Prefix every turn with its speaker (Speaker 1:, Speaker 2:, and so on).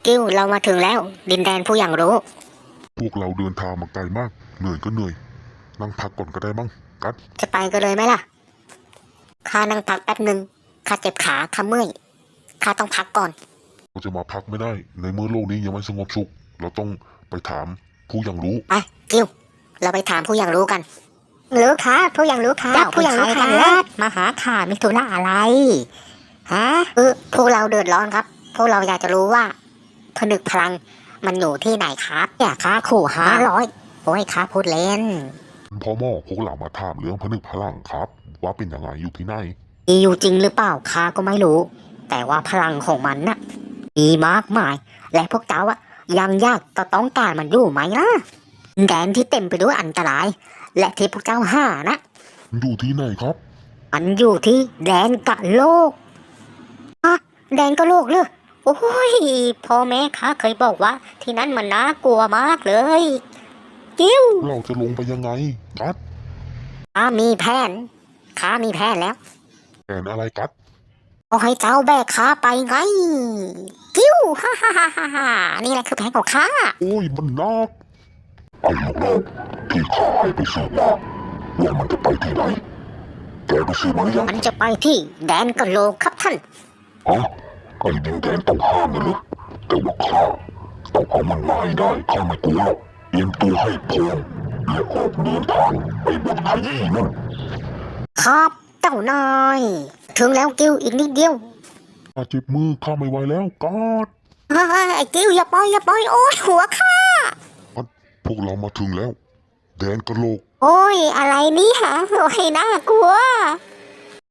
Speaker 1: กิ้วเรามาถึงแล้ว ดินแดนผู้อย่างรู้
Speaker 2: พวกเราเดินทางมาไกลมากเหนื่อยก็เหนื่อยนั่งพักก่อนก็ได้มั้งกัด
Speaker 1: จะไปกันเลยไหมล่ะข้านั่งพักแป๊บหนึ่งข้าเจ็บขาข้าเมื่อยข้าต้องพักก่อน
Speaker 2: เราจะมาพักไม่ได้ในเมื่อโลกนี้ยังไม่สงบสุขเราต้องไปถามผู้อย่างรู้
Speaker 1: ไปกิ้วเราไปถามผู้อย่างรู้กันรู้ค่ะผู้อย่างรู้ค่ะผู้อย่างรู้ค่ะมาหาข้ามีธุระอะไรฮะพวกเราเดือดร้อนครับพวกเราอยากจะรู้ว่าผนึกพลังมันอยู่ที่ไหนครับเนี่ยค่าขู่500โอ้ยค่าพูดเล่น
Speaker 2: พ่อหม้อพวกเรามาถามเรื่องผนึกพลังครับว่าเป็นยังไงอยู่ที่ไหน
Speaker 1: มีอยู่จริงหรือเปล่าข้าก็ไม่รู้แต่ว่าพลังของมันน่ะมีมากมายและพวกเจ้าอะยังยากต่อต้องการมันอยู่ไหมล่ะแดนที่เต็มไปด้วยอันตรายและที่พวกเจ้าหานะ
Speaker 2: อยู่ที่ไหนครับ
Speaker 1: มันอยู่ที่แดนกะโลกอะแดนกะโลกเลยโอ้ยพ่อแม่ข้าเคยบอกว่าที่นั่นมันน่ากลัวมากเลยกิ้ว
Speaker 2: เราจะลงไปยังไงกัด
Speaker 1: ข้ามีแผนแล้ว
Speaker 2: แผนอะไรกัด
Speaker 1: เอาให้เจ้าแบกข้าไปไงกิ้วฮ่าฮ่าฮ่าฮ่านี่แหละคือแผนของข้า
Speaker 2: โอ้ยมันนักไอ้ลูกน้องที่ข้าให้ไปสืบมาว่ามันจะไปที่ไหนแกไปสืบมาหรือยัง
Speaker 1: มันจะไปที่แดนกะโลกครับท่าน
Speaker 2: ฮะไอ้ดินแดนต้องห้ามนะลูกแต่ว่าข้าต้องเอามันมาให้ได้ข้าไม่กลัวหรอกเตรียมตัวให้พร้อมและออกเดินทางไปบนขยี้นั่น
Speaker 1: ครับเจ้านายถึงแล้วกิ้วอีกนิดเดียว
Speaker 2: ข้าเจ็บมือข้าไม่ไหวแล้วกอด
Speaker 1: ไอ้กิ้วอย่าปล่อยโอ้ยหัวข้า
Speaker 2: พวกเรามาถึงแล้วแดนกะโหลก
Speaker 1: โอ้ยอะไรนี่ฮะโอ้ยน่ากลัว